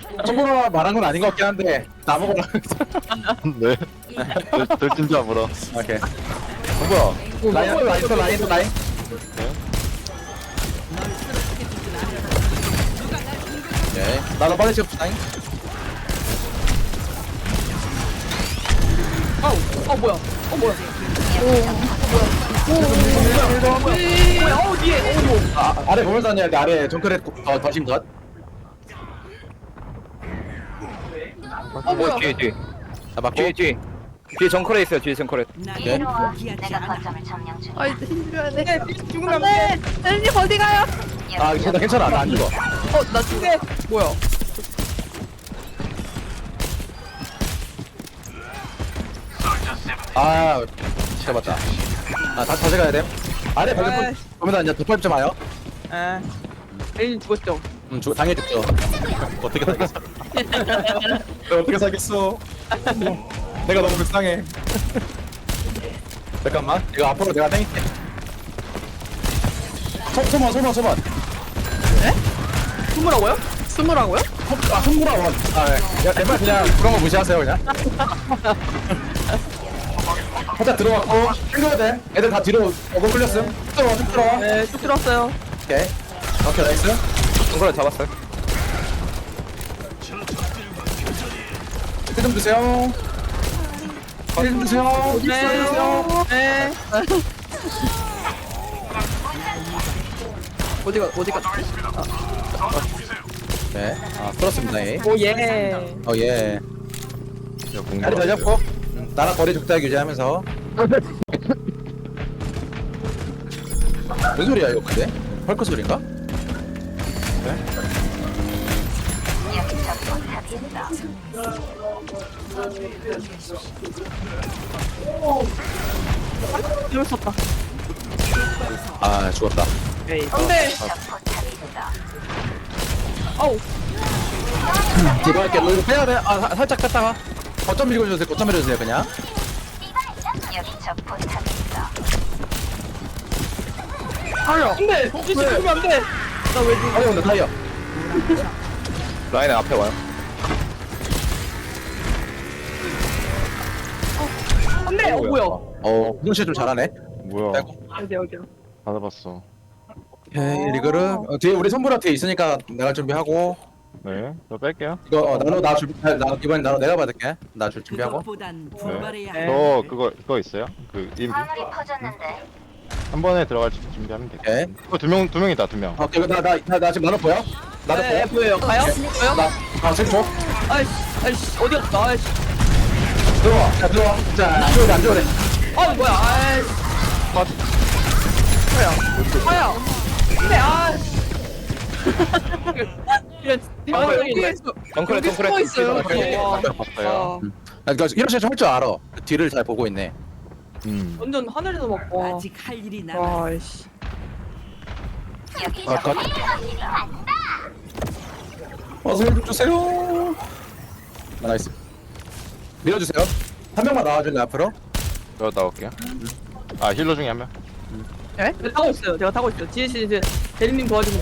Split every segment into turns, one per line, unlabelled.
손보라 말한 건 아닌 것 같긴 한데 나보고
네. 들진 줄 알아.
오케이. 뭐야? 라인. 오케이. 나도 빨리 지금 라인.
뭐야? 뭐야? 뒤에.
아래 보면서 다녀야 돼. 아래 정크렛 더 심덧.
뭐야?
뒤에
자 맞고.
뒤에 정크레 있어요. 뒤에 정크레.
오케이.
내가 거점을 점령 중.
아이 힘줘야 돼. 죽으면 안 돼. 엘님 어디 가요?
아 괜찮아. 나 안 죽어.
나 죽게. 뭐야?
아 잡았다. 아 다시 가야 돼. 아래 발전 보면 이제 덮밥 좀 와요.
아, 엘님 죽었죠?
당연히 죽죠. 어떻게 살겠어? 내가 어떻게 살겠어? 내가 너무 불쌍해. 잠깐만. 이거 앞으로 내가 땡길게. 소만.
스무라고요? 스무라고요?
아, 손무라원. 아, 네. 야, 웬만 그냥 그런 거 무시하세요, 그냥. 살짝 들어갔고, 챙겨야 돼. 애들 다 뒤로 어글 끌렸음. 쭉 들어와.
네, 쭉 들어왔어요.
오케이, 나이스.
정크레 잡았어요.
힐좀 드세요. 힐좀 드세요.
네. 어디가?
네, 아, 풀었습니다, 예.
오 예.
예. 다리 잘 잡고, 나랑 거리 적당히 유지하면서. 무슨 소리야, 이거 근데? 헐크 소리인가?
여기 적 포탑이 있어.
재밌었다.
아, 죽었다.
안돼.
적 포탑이 있어.
아우.
뒤로 할게. 너 이거 빼야 돼. 아, 살짝 뺐다가. 거점 밀어주세요, 그냥.
여기 적 포탑이 있어.
달려. 안돼. 혹시 죽으면 안돼. 나왜 죽어?
타이어 온다, 타이어.
라인에 앞에 와요.
안돼. 뭐야?
구동씨 좀 잘하네.
뭐야?
빼고.
어디야?
받아봤어.
오케이, 리그를. 뒤에 우리 선불한테 있으니까 내가 준비하고.
네. 저 뺄게요.
이거, 나 준비, 이번엔 내가 받을게. 나 준비하고.
그것보단
네.
분발해야 해.
저 그거 있어요? 그 임비
화물이 퍼졌는데.
한 번에 들어갈 준비하면 돼.
오케이.
두 명이다 2명.
오케이, 나 지금 나도 보여? 나도
네,
보여?
보여요. 가요? 보여?
지금 줘.
아이씨, 어디 갔다? 아이씨.
들어와. 자, 안 좋으래.
뭐야? 아이씨. 뭐야? 근데
정크레
숨어 있어요.
봤어요.
그러니까 이런 식으로 할 줄 알아. 뒤를 잘 보고 있네.
완전 하늘에서 먹고.
아직 할 일이 남아.
와이씨.
여기
아,
적
컷.
포탑이 있어.
어서 좀 주세요. 나이스. 밀어주세요. 한 명만 나와줄래 앞으로?
저 나올게요. 아 힐러 중에 한 명.
네? 제가 타고 있어요. 지혜 씨 이제 대리님 도와주고.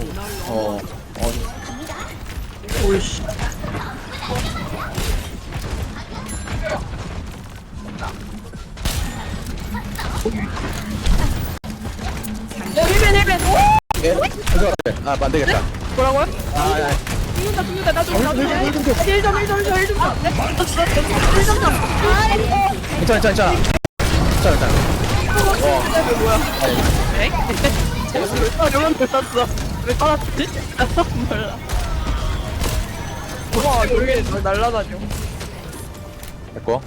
오이씨. 힐벤.
오케이. 안 되겠다.
뭐라고요?
아,
죽는다. 나 좀. 힐 좀.
괜찮아.
뭐야? 에? 왜 땄어? 왜 따랐지? 몰라. 와, 저게 날라다녀.
됐고.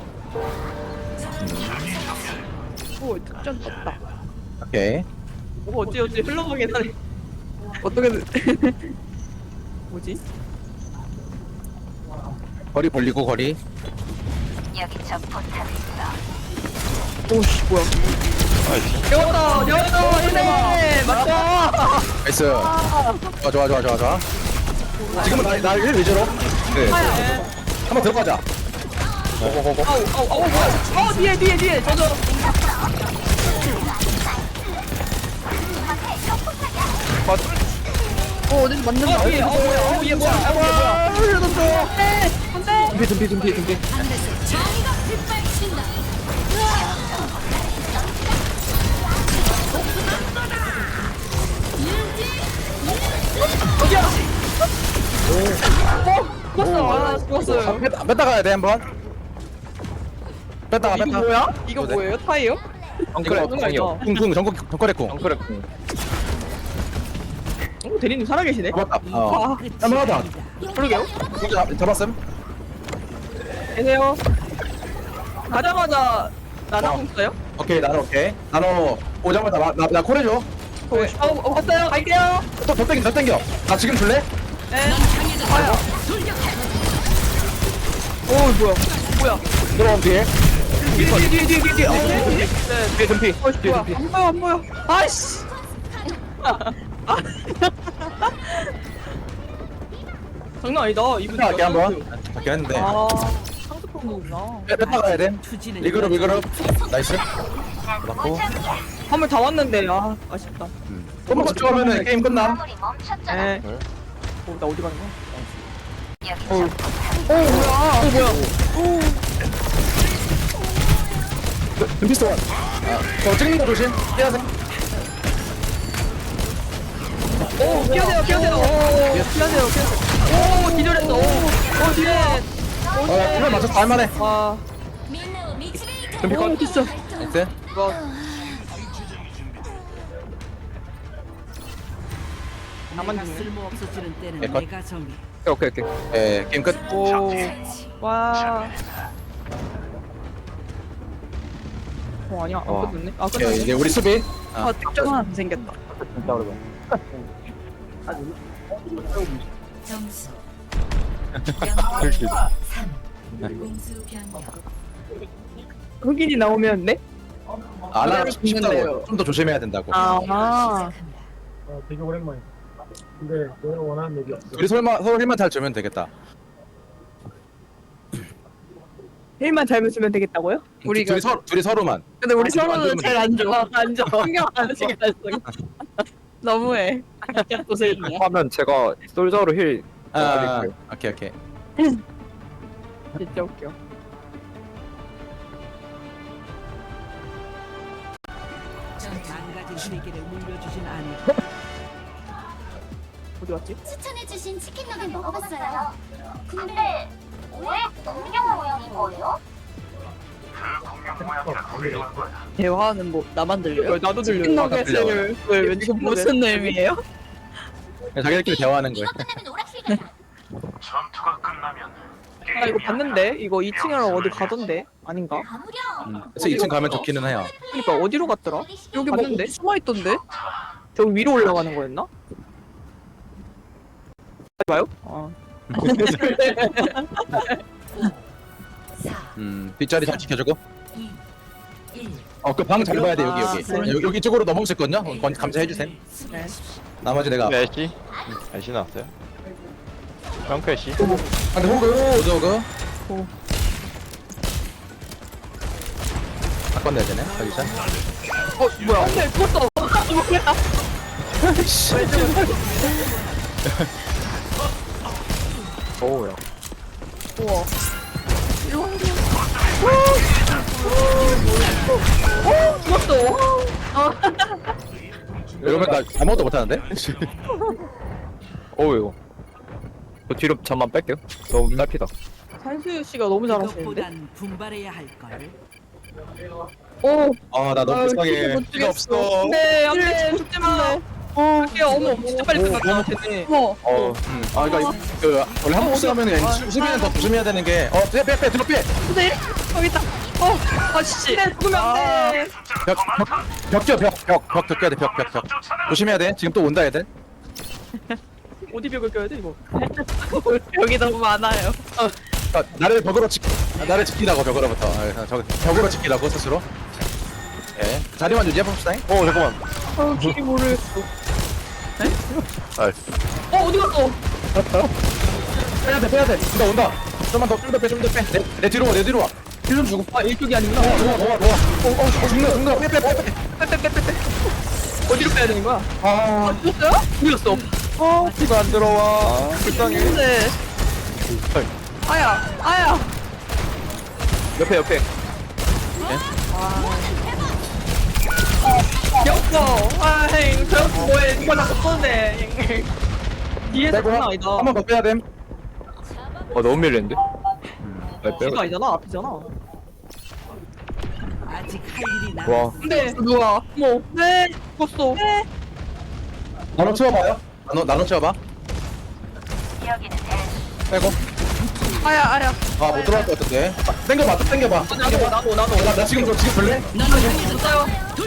오, 특전 떴다.
오케이.
어찌 흘러보긴 하네. 어떻게든. 뭐지?
거리 벌리고 거리.
여기 적 포탑이 있어.
오씨, 뭐야. 되었다, 힐네 맞다.
나이스. 좋아. 지금은 나 1 위주로. 네. 한번 들어가자. 고고고고.
아우, 뭐야. 뒤에. 저저. 어디서 맞는다. 뒤에. 뭐야. 얘 뭐야.
둠피.
죽었어. 아, 죽었어요.
뺐다 가야 돼 한번. 뺐다가
이거
뺐다.
뭐야? 이거
네.
뭐예요? 타이어?
정크레
이거
공이요.
궁궁 정거래 궁.
정크레 공.
대리님 살아계시네.
잡았다.
아,
한번 하자.
그러게요.
잡았음.
계세요. 가자마자 나나공 써요?
오케이 나노 오케이. 나노 오자마자 나 콜해줘.
왔어요. 갈게요.
더 땡겨. 나 지금 줄래?
네. 가요. 오, 뭐야?
들어오면 뒤에.
뒤에. 네.
뒤에 둠피.
뭐야? 안 보여. 아이씨. 장난 아니다. 이분
할게 한번. 잡긴 했는데.
아, 상습한 거구나.
뺐다 가야 돼. 리그룹. 나이스. 맞고.
화물 다 왔는데, 아, 아쉽다.
조금만 집중하면은 게임 끝나.
화물이 멈췄잖아.
네.
네.
나 어디 가는 거야?
여기
어.
적
뭐야?
둠피스트 원. 저 찍는 거 조심. 해야 돼.
피하세요. 오, 기절했어. 오, 뒤에.
그래 맞췄어. 할만해.
와,
둠피 컷.
됐어.
나이스.
이거. 나만 죽네.
쓸모 없어지는 때는
네, 컷.
내가 정해.
오케이.
예 게임 끝.
오, 와. 아니야, 안
와.
끝났네. 아,
오케이,
끝났네.
이제 우리 수비.
아, 특정 하나 더 생겼다.
점수
그렇지.
3 공수 변경.
흑인이 나오면 네?
안 하고
죽는데요.
싶다고. 좀 더 조심해야 된다고.
아,
시작합니다.
되게 오랜만이다. 근데 내가 원하는 얘기 없어.
우리 서로 힘만 잘 주면 되겠다.
힐만 잘 쓰면 되겠다고요? 우리가.
둘이 서로만.
근데 우리
안
서로는
좋으면
잘 안 좋아. 안 좋아. 신경 안 쓰게 했어. 너무해. 도세이야.
하면 제가 솔저로 힐.
아, 오케이.
진짜 웃겨.
망가진 세계를 물려주진 않을.
어디 갔지?
추천해주신 치킨 너겟 먹어봤어요.
근데 왜 공룡 모양인 거예요?
대화는 뭐 나만 들려요? 나도 들려요.
들려.
너겟을 왠지 무슨 의미예요?
자기들끼리 대화하는 거야.
이거 끝나면 오락실이야.
아 이거 봤는데 이거 2층으로 어디 가던데 아닌가?
아무렴.
그래서 2층 가면 좋기는 해요.
그러니까 어디로 갔더라? 여기
뭐
봤는데 숨어 있던데? 저기 위로 올라가는 거였나? 봐요? 아.
뒷자리 잘 지켜주고.
1
그 방 잘 봐야 돼 여기.
아,
여기 쪽으로 넘어올 수 있거든요. 감사해 주세요.
네.
나머지 내가.
애쉬? 애쉬 나왔어요. 평크 애쉬.
근데 호그.
오.
바꿔내야 되네. 여기서.
뭐야? 안돼 죽었어. 뭐야?
오야.
우와. 죽었어.
이러면 나 아무것도 못하는데?
오유. 저 뒤로 잠만 뺄게요. 너무 딸피다.
산수유 씨가 너무 잘하시는데.
이것보단 분발해야 할 걸.
오.
나 너무 불쌍해. 피가 없어.
네, 안돼 죽지 마. 할게요. 어머, 진짜 빨리 끝났다. 쟤네. 어머.
그러니까 원래 한국 쓰면 수비는 더 조심해야 되는 게. 빼 들어 빼.
선생님 여기 있다. 아씨. 네, 죽으면 안 돼.
벽 껴야 돼. 벽. 조심해야 돼. 지금 또 온다 애들.
어디 벽을 껴야 돼 이거? 벽이 너무 많아요.
나를 지키라고 벽으로부터. 벽으로 지키라고 스스로. 예. 자리만 유지해 봅시다.
잠깐만.
길이 모르겠어.
나이스.
어디 갔어?
빼야 돼. 온다. 좀만 더 빼. 내 뒤로 와. 힐좀 주고.
아 이쪽이 아니구나.
좋아. 죽는다. 빼.
빼빼빼빼빼. 어디로 빼야 되는 거야? 죽었어요? 죽였어.
피가 안 들어와. 불쌍해.
근데 아야 아야.
옆에.
귀엽어. 아잉 저 뭐해 누가 자꾸 쏘네. 뒤에서
빼고
장난 아니다.
한 번 더 빼야 됨.
너무 밀리는데? 나 빼고.
뒤가 아니잖아 앞이잖아.
아직 할 일이 남.
와.
근데 누가 뭐? 네 죽었어. 네.
나눠 치워봐요. 나눠 치워봐.
여기는 L.
빼고.
아야 아야.
아 못 들어갈 것 같은데. 땡겨봐 또 땡겨봐.
나도.
나 지금 볼래?
진짜요?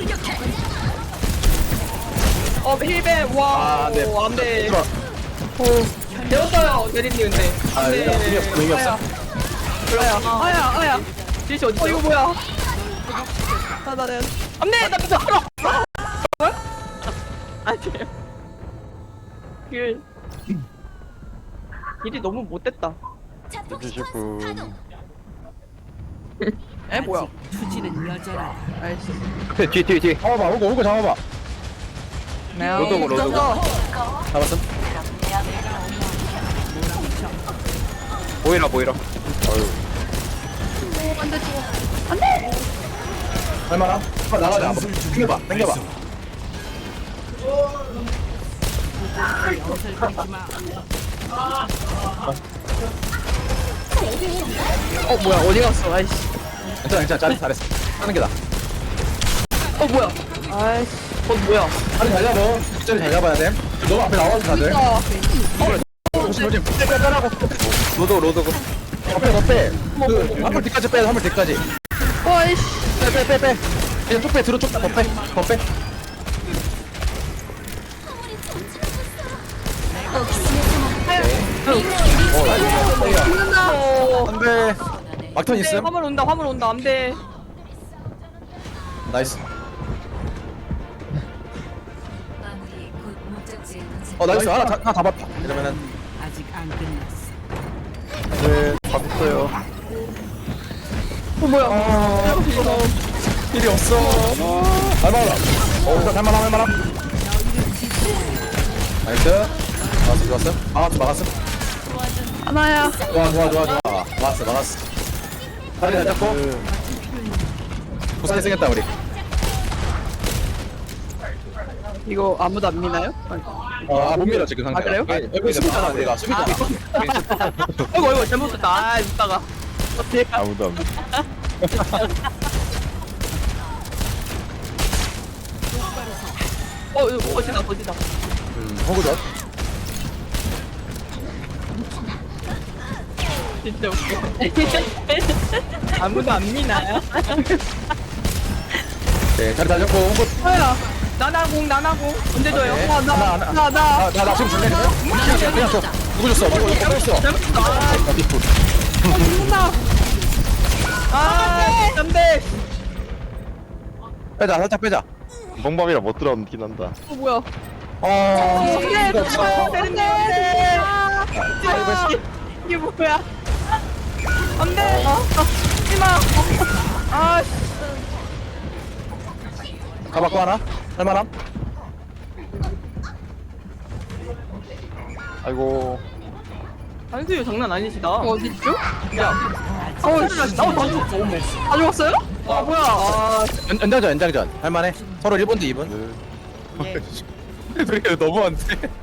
힐벤 와.
아, 안 돼.
안돼.
들어와.
배웠어요 대리님 근데.
아, 의미 없어, 의미 없어.
아야. 지시 어디? 이거 뭐야? 나는 안돼 나 진짜 알아. 뭐? 아니. 그 일이 너무 못됐다.
자폭
해주실
시퀀스
분.
가동.
에 뭐야?
아직 투지는 여전하다.
알겠어.
옆에 뒤.
잡아봐. 오고 잡아봐.
로드고.
잡았어.
보이라.
할만함? 나가자. 한번. 땡겨봐.
옷을 걸지 마.
뭐야 어디 갔어? 아이씨.
괜찮아. 잘했어. 하는 게 나.
뭐야? 아이씨. 뭐야?
자리 잘 잡아. 뒷자리 잘 잡아야 돼. 너무 앞에 나와서 다들. 조심. 빼라고.
로드.
앞에. 한물 뒤까지 빼. 한물 뒤까지.
아이씨.
빼. 그냥 쭉 빼. 뒤로 쭉 빼. 더 빼.
죽는다.
안돼. 막턴 있음.
화물 온다. 안돼.
나이스.
마무리 곧 목적지에 도착.
나이스. 하나 다 봤다. 이러면은
아직 안 끝났어.
네, 잡았어요.
뭐야?
일이 없어. 할만하다. 일단 할만함. 나이스. 좋았어. 막았어.
하나야.
좋아. 막았어. 다리 잘 잡고. 고생했다 우리.
이거 아무도 안 미나요?
못 밀어 지금 상태.
아, 그래요?
여기 수비잖아 우리가. 수비잖아.
아이고 잘못했다. 아 이따가.
아무도 안.
이거 거지다.
호구전.
진짜 웃겨. 아무도 안 미나요?
네, 자리 잘 잡고 호구.
뭐야? 나나공 언제 줘요?
네.
나.
나 지금 줄래 그냥? 그냥 줘. 누구 줬어? 누구 줬어?
잘못했다.
나 뒷불.
죽는다. 안돼.
빼자. 살짝 빼자.
멍멍이라 못 들어오긴 한다.
뭐야?
안돼.
되는데. 이게 뭐야? 안돼. 하지마. 아.
가봤고 하나. 할만함?
아이고.
안수유 장난 아니시다. 어딨죠? 야. 나 다 죽었어요? 뭐야?
연장전. 할만해. 서로 1분 대 2분. 그렇게 너무한데.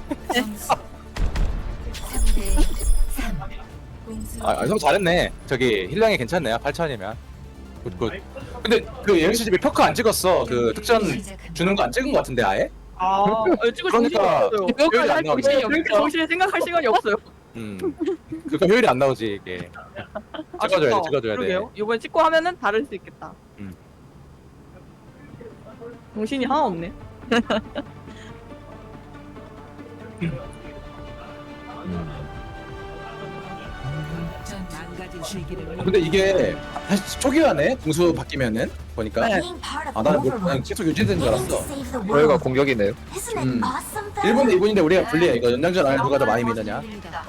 3대 3. 공수.
형 잘했네. 저기 힐량이 괜찮네요. 8,000이면. 굿. 근데 그 예영씨 집에 평가 안 찍었어. 그 특전 주는 거 안 찍은 거 같은데 아예?
찍을
그러니까 효율이 안 나오지.
정신에 생각할 시간이 없어요.
그러니까 효율이 안 나오지 이게. 찍어줘야 돼.
이번에 찍고 하면은 다를 수 있겠다.
음.
정신이 하나 없네.
전 망가진 시기를
근데 이게 다시 초기화네. 공수 바뀌면은 보니까. 나는 계속 유지된 줄 알았어.
저희가 공격이네요.
1분 대 2분인데 우리가 불리해. 이거 연장전 안에 누가 더 많이 믿느냐.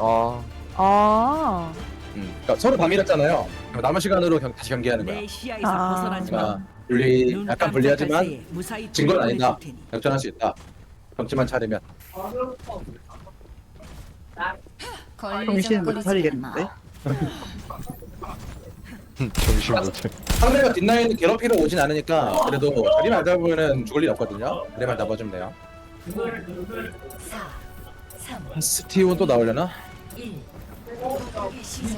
그러니까 서로 다 밀었잖아요. 남은 시간으로 다시 경기하는 거야.
내 시야에서 벗어나지 마.
그러니까 분리 약간 불리하지만
무사히
진 건 아니다.
보내줄 테니.
역전할 수 있다. 경치만 차리면.
정신 못 차리겠는데?
정신 못 차려.
상대가 뒷라인 괴롭히러 오진 않으니까 그래도 그림만 잡으면 죽을 일 없거든요. 그림만 잡아주면 돼요.
4 3
스티온 또 나오려나?
1 공격의 시작.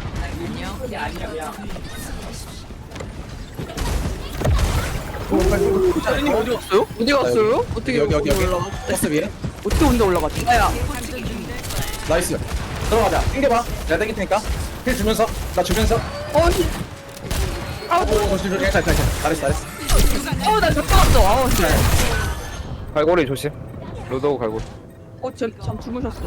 자리님 어디 갔어요? 어디 갔어요? 어떻게
여기
올라갔대?
버스 위에.
어떻게 혼자 올라갔지? 아야.
나이스. 들어가자. 땡겨봐. 내가 땡길 테니까. 힐 주면서 나 주면서.
어니.
조심. 괜찮아. 잘했어.
나 잡혀갔어. 아우, 씨.
갈고리 조심. 로드 갈고리.
잠 주무셨어.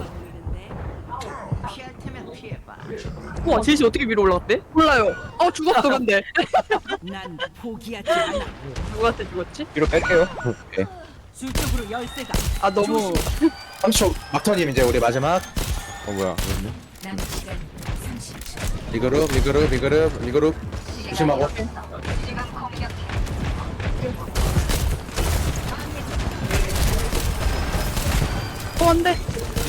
우와, 제시 어떻게 위로 올라갔대? 몰라요. 죽었어, 근데.
난 포기하지 않아.
누구한테 죽었지?
뒤로 뺄게요.
수적으로 열쇠가
너무.
30초 막턴임 이제 우리 마지막.
뭐야? 왜냐?
남은 시간 30초.
리그룹. 조심하고.
안 돼.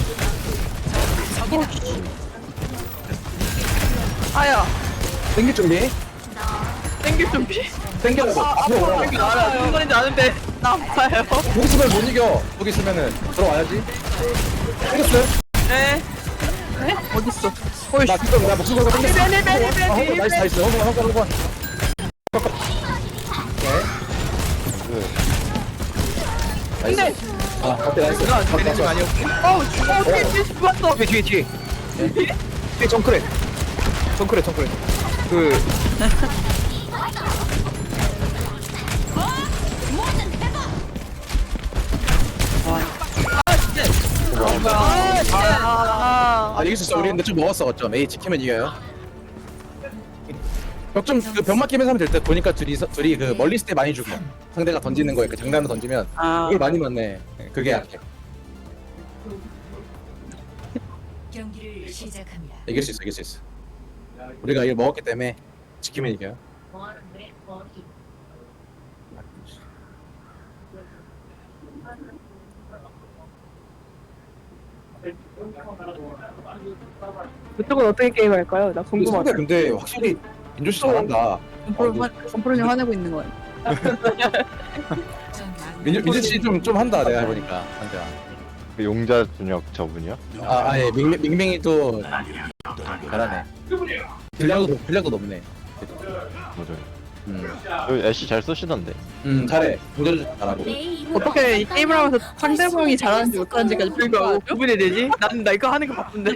아야,
땡길 준비.
땡길 준비.
땡겨라고. 앞으로 오라고.
알아요. 무슨 말인지 아는데, 나 아파요.
거기 있으면 못 이겨. 거기 있으면은 들어와야지. 땡겼어요?
네. 네? 어딨어? 어이씨.
나 지금 나 목숨 걸고 땡겼어.
네.
나이스. hold on.
근데,
오케이 나이스.
되는 거 아니었고.
어떻게 죽었어?
뒤에. 뒤에 정크레. 그
이길 수 있어. 우리 근데 좀 먹었어. 어쩜 A 지키면 이겨요. 벽좀그 벽 맞기면서 하면 될 듯. 보니까 둘이 그 멀리 있을 때 많이 죽어. 상대가 던지는 거에 그 장난으로 던지면 그걸 많이 맞네. 그게 약해.
경기를 시작합니다.
이길 수 있어. 우리가 이걸 먹었기 때문에 지키면 이겨요.
그쪽은 어떻게 게임할까요? 나
근데 상대 근데 확실히 민조 씨 잘한다.
점프로님 화내고 있는 거예요.
민조 씨 좀 한다 내가 해보니까 상대가.
그 용자 준혁 저분이요?
예, 밍밍이 또 잘하네. 분량도 높네.
맞아요. 여기 애쉬 잘 쓰시던데.
잘해. 공격도 잘하고.
어떻게 이 게임을 하면서 상대방이 잘하는지 못하는지까지 불구하고 구분이 되지? 나는 나 이거 하는 게 바쁜데.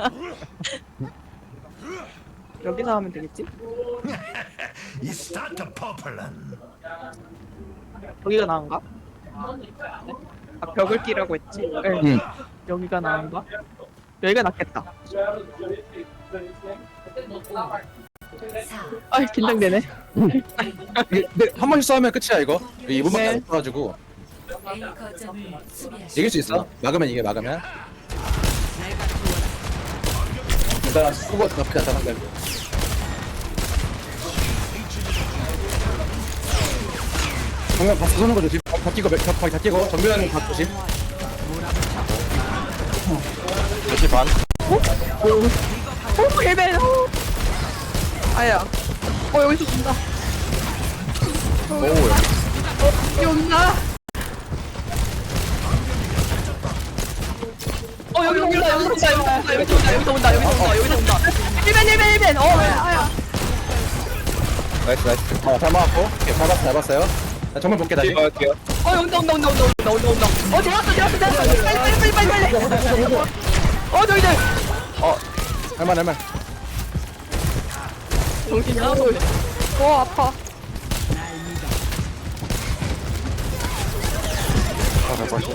여기서 하면 되겠지? 여기가 나은가? 벽을 끼라고 했지? 네. 여기가 나은가? 여기가 낫겠다.
4
긴장되네.
근데 한 번씩 싸우면 끝이야 이거. 2분밖에
네.
안 써가지고
A 거점을 수비하십시오.
이길 수 있어. 막으면 이게 막으면. 일단 수고 나쁘지 않다 상대. 정면 박수 쏘는 거 조심. 다 끼고 다 끼고 정면 각 조심.
애쉬 반?
헬멧! 아야. 여기서 준다. 여기 온다. 여기서 온다. 헬멧. 아야.
나이스.
잘 막았고. 오케이, 잘 봤어요. 자, 정면 볼게 다시.
뒤에 막을게요.
온다. 잡았어. 빨리. 저기들.
할만.
정신이 하나도. 아파.
잘 봤어.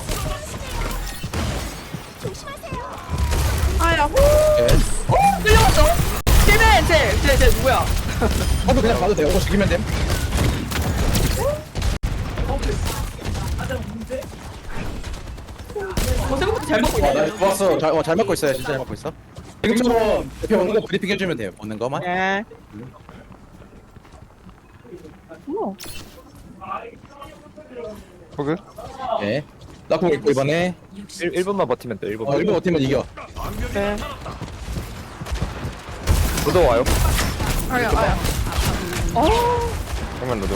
아야.
오케이.
끌려갔어. 헬멧. 쟤 누구야?
그냥 봐도 돼요. 이거 죽이면 됨.
생각보다 잘 먹고 있네.
나 좋았어. 잘 맞고 있어요. 진짜 잘 맞고 있어. 지금처럼 옆에 오는 거 브리핑 해주면 돼요. 오는 거만.
네.
호그?
예. 나공 있고 이번에
1분만 버티면 돼. 1분.
1분 버티면 이겨.
네.
로드 와요.
아야 아야.
그러면 너도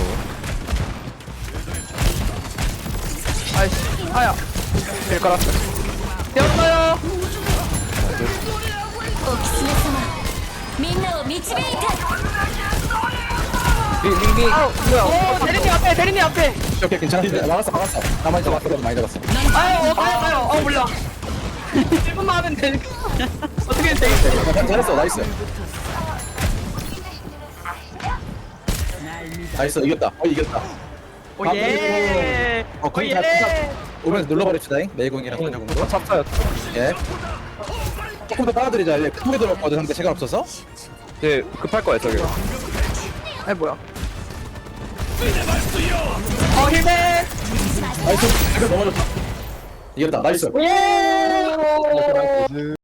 아이씨 아야.
힐 깔았어.
되었어요.
みんなを導いて
링링.
아우 뭐야? 대리님 앞에 대리님 앞에.
오케이 괜찮아. 막았어. 나 많이 잡았어. 많이 잡았어.
아유 가요. 몰라. 1분만 하면 돼. 어떻게 되겠어?
잘했어. 나이스. 나이스. 이겼다. 이겼다.
오예.
거기 다 오면서 눌러버립시다잉. 메이공이랑 전자공으로.
찹차요.
예. 조금 더 빨아들이자. 크게 들어갔거든. 근데 시간 없어서.
이제 급할 거야 저기.
아이 뭐야? 힐백.
나이스. 이거 넘어졌다. 이겼다. 나이스.
예.